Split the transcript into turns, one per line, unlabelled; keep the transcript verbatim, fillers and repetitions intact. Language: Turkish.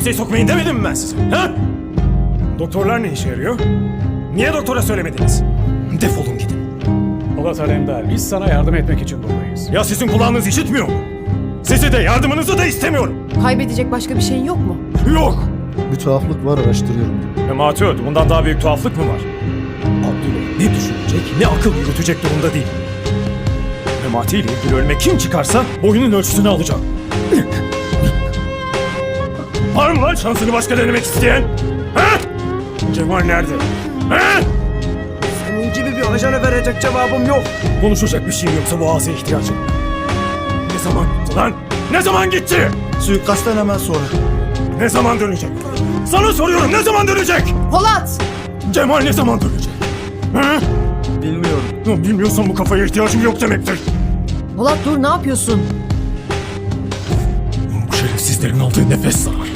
kimseyi sokmayın demedim mi ben size? Ha? Doktorlar ne işe yarıyor? Niye doktora söylemediniz? Defolun gidin.
Polat Alemdar, biz sana yardım etmek için buradayız.
Ya sizin kulağınız işitmiyor mu? Sizi de yardımınızı da istemiyorum.
Kaybedecek başka bir şeyin yok mu?
Yok.
Bir tuhaflık var, araştırıyorum.
Memati öldü. Bundan daha büyük tuhaflık mı var? Abdülay ne düşünecek, ne akıl yürütecek durumda değil. Memati ile ilgili ölüme kim çıkarsa boyunun ölçüsünü alacağım. Var mı lan şansını başka denemek isteyen? Ha? Cemal nerede? Ha?
Senin gibi bir ajana verecek cevabım yok.
Konuşacak bir şeyim yoksa boğaza ihtiyacım. Ne zaman gitti lan? Ne zaman gitti?
Suikastten hemen sonra.
Ne zaman dönecek? Sana soruyorum, ne zaman dönecek?
Polat!
Cemal ne zaman dönecek? Ha?
Bilmiyorum.
Ya bilmiyorsan bu kafaya ihtiyacım yok demektir.
Polat dur, ne yapıyorsun?
Bu şerefsizlerin aldığı nefes zarar.